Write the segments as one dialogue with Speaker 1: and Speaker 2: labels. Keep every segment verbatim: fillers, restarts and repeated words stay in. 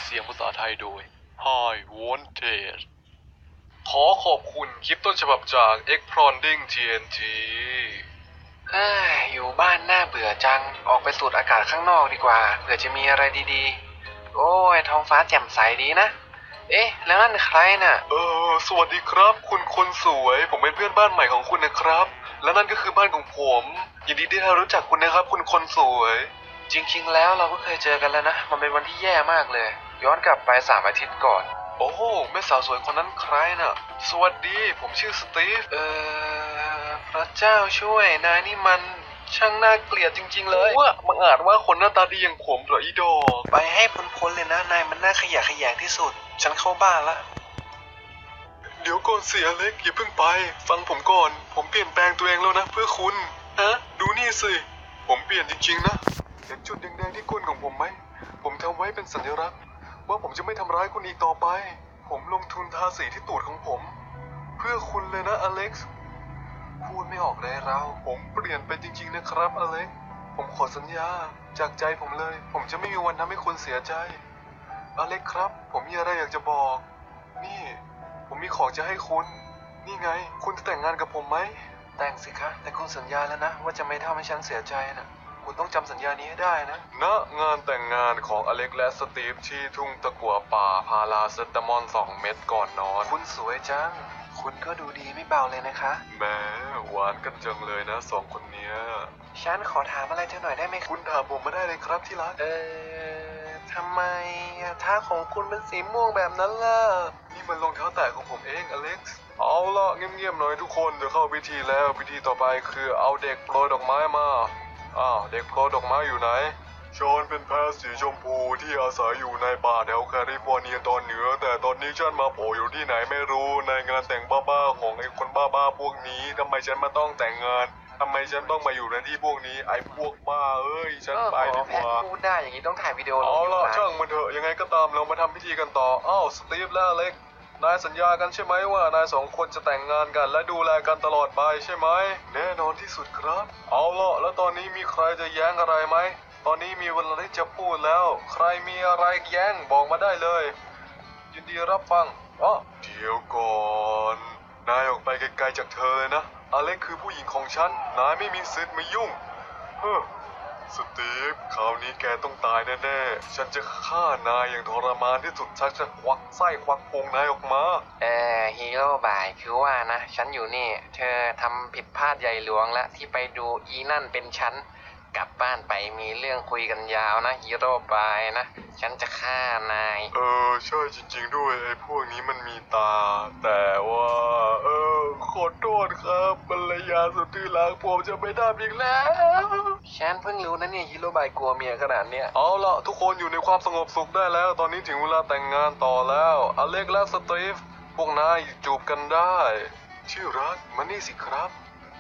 Speaker 1: สียงภาษาไทยโดย Hi Wanted ขอขอบคุณคลิปต้นฉบับจาก Exploding ที เอ็น ที
Speaker 2: เฮ้ยอยู่บ้านน่าเบื่อจัง ออกไปสูดอากาศข้างนอกดีกว่า เผื่อจะมีอะไรดีๆ โอ้ยท้องฟ้าแจ่มใสดีนะ เอ๊ะ แล้วนั่นใครน่ะ
Speaker 1: เออสวัสดีครับ คุณคนสวย ผมเป็นเพื่อนบ้านใหม่ของคุณนะครับ และนั่นก็คือบ้านของผมยินดีที่ได้รู้จักคุณนะครับ คุณคนสวย
Speaker 2: จริงๆ แล้วเราก็เคยเจอกันแล้วนะ มันเป็นวันที่แย่มากเลย ย้อนกลับไปสามอาทิตย์ก่อน
Speaker 1: โอ้โหแม่สาวสวยคนนั้นใครน่ะ สวัสดี ผมชื่อสตีฟ
Speaker 2: เออพระเจ้าช่วย นายนี่มันช่างน่าเกลียดจริงๆเลย
Speaker 1: ว่าบังอาจว่าคนหน้าตาดีอย่างผมเหรออีดอก
Speaker 2: ไปให้พ้นๆเลยนะ นายมันน่าขยะแขยงที่สุด ฉันเข้าบ้านละ
Speaker 1: เดี๋ยวก่อนเสียเล็กอย่าเพิ่งไป ฟังผมก่อน ผมเปลี่ยนแปลงตัวเองแล้วนะเพื่อคุณฮะดูนี่สิ ผมเปลี่ยนจริงๆนะเห็นจุดแดงๆที่ก้นของผมไหม ผมทำไว้เป็นสัญลักษณ์ว่าผมจะไม่ทำร้ายคุณอีกต่อไป ผมลงทุนทาสีที่ตูดของผม เพื่อคุณเลยนะอเล็กซ์
Speaker 2: พูดไม่ออกเลยเรา
Speaker 1: ผมเปลี่ยนไปจริงๆนะครับอเล็กซ์ ผมขอสัญญาจากใจผมเลย ผมจะไม่มีวันทำให้คุณเสียใจอเล็กซ์ครับ ผมมีอะไรอยากจะบอก นี่ ผมมีของจะให้คุณ นี่ไง คุณจะแต่งงานกับผมไหม
Speaker 2: แต่งสิคะ แต่คุณสัญญาแล้วนะ ว่าจะไม่ทำให้ฉันเสียใจนะคุณต้องจำสัญญานี้ให้ได้นะ
Speaker 1: ณงานแต่งงานของอเล็กและสตีฟที่ทุ่งตะกั่วป่าพาราเซตามอลสองเม็ดก่อนนอน
Speaker 2: คุณสวยจัง คุณก็ดูดีไม่เบาเลยนะคะ
Speaker 1: แหมหวานกันจังเลยนะสองคนเนี้ย
Speaker 2: ฉันขอถามอะไรเธอหน่อยได้ไหม
Speaker 1: คุณถามผมมาได้เลยครับที่รัก
Speaker 2: เออทำไมเท้าของคุณเป็นสีม่วงแบบนั้นล่ะ
Speaker 1: นี่มันรองเท้าแตะของผมเองอเล็กซ์ เอาล่ะเงียบๆหน่อยทุกคนเดี๋ยวเข้าพิธีแล้วพิธีต่อไปคือเอาเด็กโปรยดอกไม้มาอ้าวเด็กโปรยดอกไม้อยู่ไหนชอนเป็นแพะสีชมพูที่อาศัยอยู่ในป่าแถวแคลิฟอร์เนียตอนเหนือแต่ตอนนี้ฉันมาโผล่อยู่ที่ไหนไม่รู้ในงานแต่งบ้าๆของไอ้คนบ้าๆพวกนี้ทำไมฉันมาต้องแต่งงานทำไมฉันต้องมาอยู่ในที่พวกนี้ไอ้พวกบ้าเอ้ยฉันไปดีก
Speaker 2: แพท
Speaker 1: ว่า
Speaker 2: พูดได้อย่างนี้ต้องถ่ายวิดีโอลง
Speaker 1: เอา
Speaker 2: ยู
Speaker 1: ล่ะ
Speaker 2: ทูบ
Speaker 1: ช่างมันเถอะยังไงก็ตามเรามาทำพิธีกันต่ออ้าวสตีฟและอเล็กนายสัญญากันใช่ไหมว่านายสองคนจะแต่งงานกันและดูแลกันตลอดไปใช่ไหมแน่นอนที่สุดครับเอาล่ะแล้วตอนนี้มีใครจะแย้งอะไรไหมตอนนี้มีเวลาที่จะพูดแล้ว ใครมีอะไรแย้งบอกมาได้เลยยินดีรับฟังอ๋อเดี๋ยวก่อนนายออกไปไกลๆจากเธอเลยนะอเล็กคือผู้หญิงของฉันนายไม่มีสิทธิ์มายุ่งเฮ้อ สตีฟคราวนี้แกต้องตายแน่ๆ ฉันจะฆ่านายอย่างทรมานที่สุดฉันจะควักไส้ควักพุงนายออกมา
Speaker 2: เออฮีโร่บายคือว่านะ ฉันอยู่นี่ เธอทำผิดพลาดใหญ่หลวงแล้วที่ไปดูอีนั่นเป็นฉัน กลับบ้านไปมีเรื่องคุยกันยาวนะฮีโร่บายนะ ฉันจะฆ่านาย
Speaker 1: เออใช่จริงๆด้วยไอ้พวกนี้มันมีตา แต่ว่า เออขอโทษครับภรรยาสุดที่รักผมจะไม่ทำอีกแล้ว
Speaker 2: ฉันเพิ่งรู้นะเนี่ยฮีโร่บายกลัวเมียขนาดเนี้ย
Speaker 1: เอาล่ะทุกคนอยู่ในความสงบสุขได้แล้ว ตอนนี้ถึงเวลาแต่งงานต่อแล้วอเล็กและสตีฟพวกนายจูบกันได้ชื่อรักมานี่สิครับ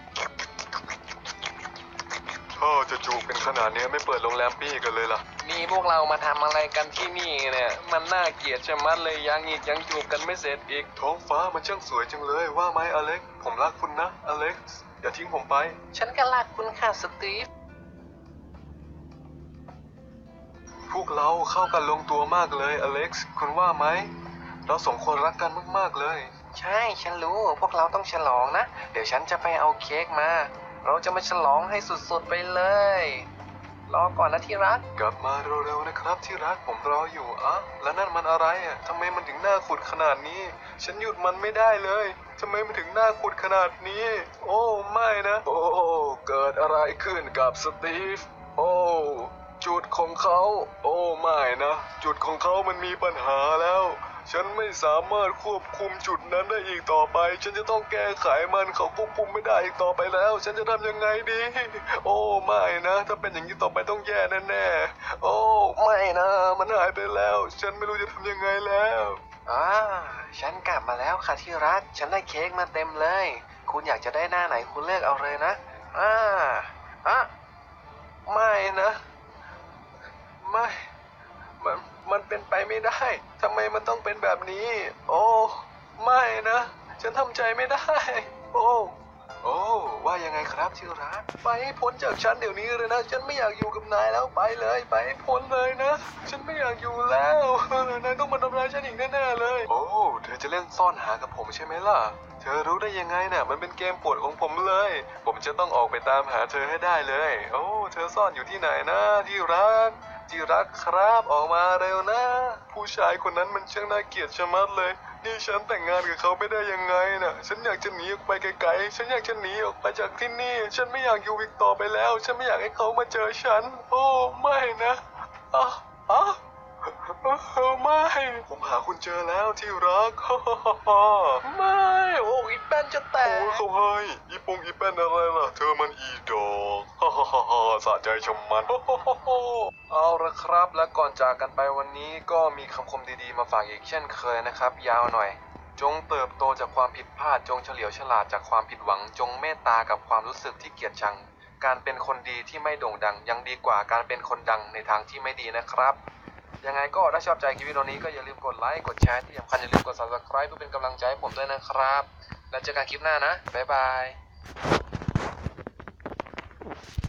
Speaker 1: ถ้าจะจูบกันขนาดนี้ไม่เปิดโรงแรมปี้กันเลยล่ะ
Speaker 2: นี่พวกเรามาทำอะไรกันที่นี่เนี่ย มันน่าเกลียดชะมัดเลยยังอีกยังจูบกันไม่เสร็จอีก
Speaker 1: ท้องฟ้ามันช่างสวยจังเลยว่าไหมอเล็กผมรักคุณนะอเล็กอย่าทิ้งผมไป
Speaker 2: ฉันก็รักคุณค่ะสตีฟ
Speaker 1: พวกเราเข้ากันลงตัวมากเลยอเล็กซ์คุณว่าไหมเราสองคนรักกันมากๆเลย
Speaker 2: ใช่ฉันรู้พวกเราต้องฉลองนะ เดี๋ยวฉันจะไปเอาเค้กมา เราจะมาฉลองให้สุดๆไปเลย รอก่อนนะที่รัก
Speaker 1: กลับมาเร็วๆนะครับที่รักผมรออยู่อะแล้วนั่นมันอะไรอ่ะทำไมมันถึงหน้าขุดขนาดนี้ ฉันหยุดมันไม่ได้เลยทำไมมันถึงหน้าขุดขนาดนี้ โอ้ไม่นะ โอ้เกิดอะไรขึ้นกับสตีฟโอ้จุดของเขาโอ้ไม่นะจุดของเขามันมีปัญหาแล้ว ฉันไม่สามารถควบคุมจุดนั้นได้อีกต่อไป ฉันจะต้องแก้ไขมันเขาควบคุมไม่ได้อีกต่อไปแล้ว ฉันจะทำยังไงดี โอ้ไม่นะ ถ้าเป็นอย่างนี้ต่อไปต้องแย่แน่ๆโอ้ไม่นะ มันหายไปแล้ว ฉันไม่รู้จะทำยังไงแล้ว
Speaker 2: อ่า ฉันกลับมาแล้วค่ะที่รัก ฉันได้เค้กมาเต็มเลย คุณอยากจะได้หน้าไหนคุณเลือกเอาเลยนะ อ่าอ่ะไม่นะ ไม่ มัน มันเป็นไปไม่ได้ ทำไมมันต้องเป็นแบบนี้ โอ้ ไม่นะ ฉันทำใจไม่ได้ โอ้
Speaker 1: โอ้ว่ายังไงครับที่รักไปให้พ้นจากฉันเดี๋ยวนี้เลยนะฉันไม่อยากอยู่กับนายแล้วไปเลยไปให้พ้นเลยนะฉันไม่อยากอยู่แล้วนายต้องมาทำร้ายฉันอีกแน่ๆเลยโอ้เธอจะเล่นซ่อนหากับผมใช่ไหมล่ะเธอรู้ได้ยังไงเนี่ยมันเป็นเกมโปรดของผมเลย ผมจะต้องออกไปตามหาเธอให้ได้เลยโอ้เธอซ่อนอยู่ที่ไหนนะที่รักที่รักครับออกมาเร็วนะ ผู้ชายคนนั้นมันช่างน่าเกลียดชะมัดเลย นี่ฉันแต่งงานกับเขาไม่ได้ยังไงน่ะ ฉันอยากจะหนีออกไปไกลๆ ฉันอยากจะหนีออกไปจากที่นี่ ฉันไม่อยากอยู่อีกต่อไปแล้ว ฉันไม่อยากให้เขามาเจอฉัน โอ้ไม่นะอ่ะอ่ะไม่ ผมหาคุณเจอแล้วที่รัก ไม่ โอ้อีแป้นจะแตก โอ้เขาให้อีปงอีแป้นอะไรล่ะ เธอมันอีดอก สะใจชมมัน เอาละครับ และก่อนจากกันไปวันนี้ก็มีคำคมดีๆมาฝากอีกเช่นเคยนะครับ ยาวหน่อย จงเติบโตจากความผิดพลาด จงเฉลียวฉลาดจากความผิดหวัง จงเมตตากับความรู้สึกที่เกลียดชัง การเป็นคนดีที่ไม่โด่งดัง ยังดีกว่าการเป็นคนดังในทางที่ไม่ดีนะครับ ยังไงก็ถ้าชอบใจคลิปวิดีโอนี้ก็อย่าลืมกดไลค์กดแชร์ที่สำคัญอย่าลืมกด ซับสไครบ์ เพื่อเป็นกำลังใจให้ผมด้วยนะครับ แล้วเจอกันคลิปหน้านะบ๊ายบาย